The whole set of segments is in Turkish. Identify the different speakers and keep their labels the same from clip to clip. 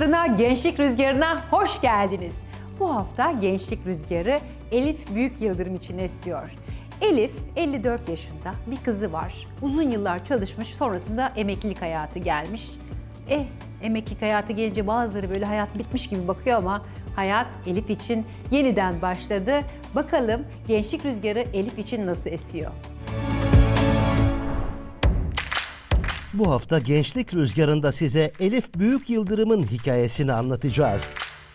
Speaker 1: Rüzgarı'na, Gençlik Rüzgarı'na hoş geldiniz. Bu hafta Gençlik Rüzgarı Elif Büyük Yıldırım için esiyor. Elif 54 yaşında, bir kızı var. Uzun yıllar çalışmış, sonrasında emeklilik hayatı gelmiş. Emeklilik hayatı gelince bazıları böyle hayat bitmiş gibi bakıyor ama hayat Elif için yeniden başladı. Bakalım Gençlik Rüzgarı Elif için nasıl esiyor?
Speaker 2: Bu hafta Gençlik Rüzgarı'nda size Elif Büyük Yıldırım'ın hikayesini anlatacağız.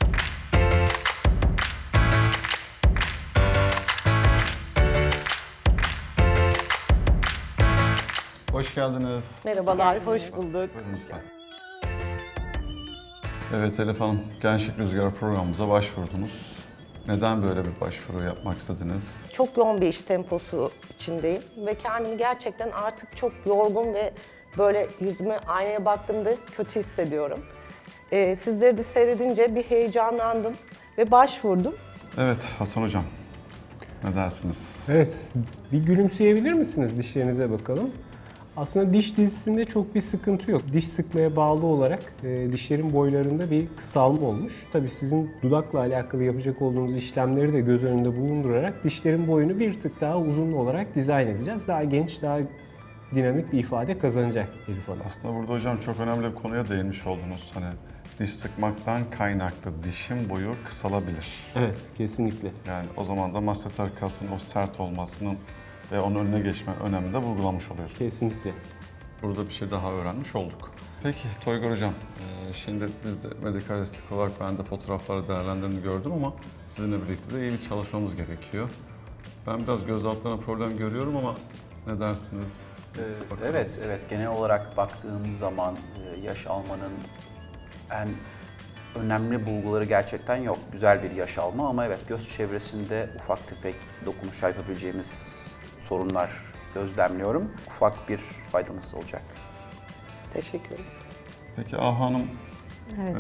Speaker 3: Hoş geldiniz.
Speaker 4: Merhabalar, hoş bulduk.
Speaker 3: Buyurun lütfen. Evet Elif Hanım, Gençlik Rüzgarı programımıza başvurdunuz. Neden böyle bir başvuru yapmak istediniz?
Speaker 4: Çok yoğun bir iş temposu içindeyim ve kendimi gerçekten artık çok yorgun ve böyle yüzüme aynaya baktığımda kötü hissediyorum. Sizleri de seyredince bir heyecanlandım ve başvurdum.
Speaker 3: Evet Hasan Hocam, ne dersiniz?
Speaker 5: Evet, bir gülümseyebilir misiniz dişlerinize bakalım? Aslında diş dizisinde çok bir sıkıntı yok. Diş sıkmaya bağlı olarak dişlerin boylarında bir kısalma olmuş. Tabii sizin dudakla alakalı yapacak olduğunuz işlemleri de göz önünde bulundurarak dişlerin boyunu bir tık daha uzun olarak dizayn edeceğiz. Daha genç, daha dinamik bir ifade kazanacak Elif Hanım.
Speaker 3: Aslında burada hocam çok önemli bir konuya değinmiş oldunuz. Hani diş sıkmaktan kaynaklı dişin boyu kısalabilir.
Speaker 5: Evet, kesinlikle.
Speaker 3: Yani o zaman da masseter kasın o sert olmasının ve onun önüne geçme önemini de vurgulamış oluyorsunuz.
Speaker 5: Kesinlikle.
Speaker 3: Burada bir şey daha öğrenmiş olduk. Peki Toygar Hocam, şimdi biz de medikal estetik olarak ben de fotoğrafları değerlendirdiğini gördüm ama sizinle birlikte de iyi bir çalışmamız gerekiyor. Ben biraz göz altlarına problem görüyorum ama ne dersiniz? Bakalım.
Speaker 6: Evet. Genel olarak baktığımız zaman yaş almanın en önemli bulguları gerçekten yok. Güzel bir yaş alma ama evet göz çevresinde ufak tefek dokunuşlar yapabileceğimiz sorunlar gözlemliyorum. Ufak bir faydanız olacak.
Speaker 4: Teşekkür ederim.
Speaker 3: Peki Ahu Hanım,
Speaker 1: Evet.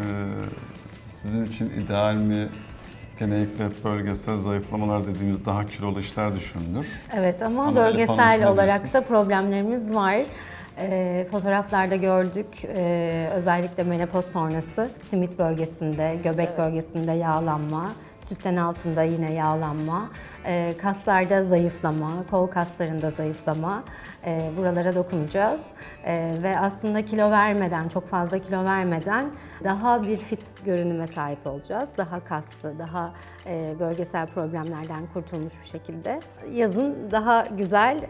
Speaker 3: sizin için ideal mi? Genellikle bölgesel zayıflamalar dediğimiz daha kilolu işler düşünülür.
Speaker 7: Evet ama
Speaker 3: Ama Elif Hanım,
Speaker 7: bölgesel
Speaker 3: ne
Speaker 7: olarak da
Speaker 3: diyorsunuz?
Speaker 7: problemlerimiz var. Fotoğraflarda gördük, özellikle menopoz sonrası simit bölgesinde, göbek bölgesinde yağlanma, sütten altında yine yağlanma, kaslarda zayıflama, kol kaslarında zayıflama, buralara dokunacağız. Ve aslında kilo vermeden, çok fazla kilo vermeden daha bir fit görünüme sahip olacağız. Daha kaslı, daha bölgesel problemlerden kurtulmuş bir şekilde. Yazın daha güzel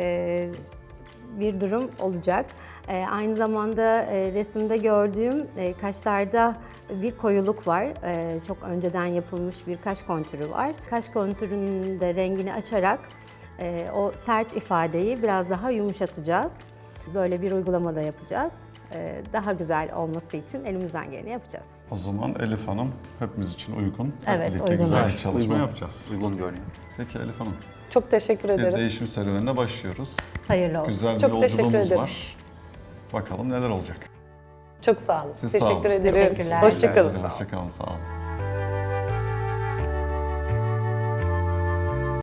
Speaker 7: bir durum olacak. Aynı zamanda resimde gördüğüm kaşlarda bir koyuluk var. Çok önceden yapılmış bir kaş kontürü var. Kaş kontürünün de rengini açarak o sert ifadeyi biraz daha yumuşatacağız. Böyle bir uygulama da yapacağız. Daha güzel olması için elimizden geleni yapacağız.
Speaker 3: O zaman Elif Hanım hepimiz için uygun.
Speaker 7: Evet,
Speaker 3: Birlikte
Speaker 7: uygun.
Speaker 3: güzel bir
Speaker 7: Evet,
Speaker 3: çalışma yapacağız.
Speaker 6: Uygun görünüyor.
Speaker 3: Peki Elif Hanım,
Speaker 4: Çok teşekkür
Speaker 3: bir
Speaker 4: ederim.
Speaker 3: değişim serüvenine başlıyoruz.
Speaker 7: Hayırlı olsun.
Speaker 3: Güzel bir
Speaker 4: Çok teşekkür
Speaker 3: yolculuğumuz
Speaker 4: ederim.
Speaker 3: var. Bakalım neler olacak.
Speaker 4: Çok sağ olun.
Speaker 3: Siz sağ olun.
Speaker 4: Teşekkür ederim.
Speaker 7: Teşekkürler.
Speaker 4: Hoşça kalın.
Speaker 3: Hoşçakalın, sağ olun.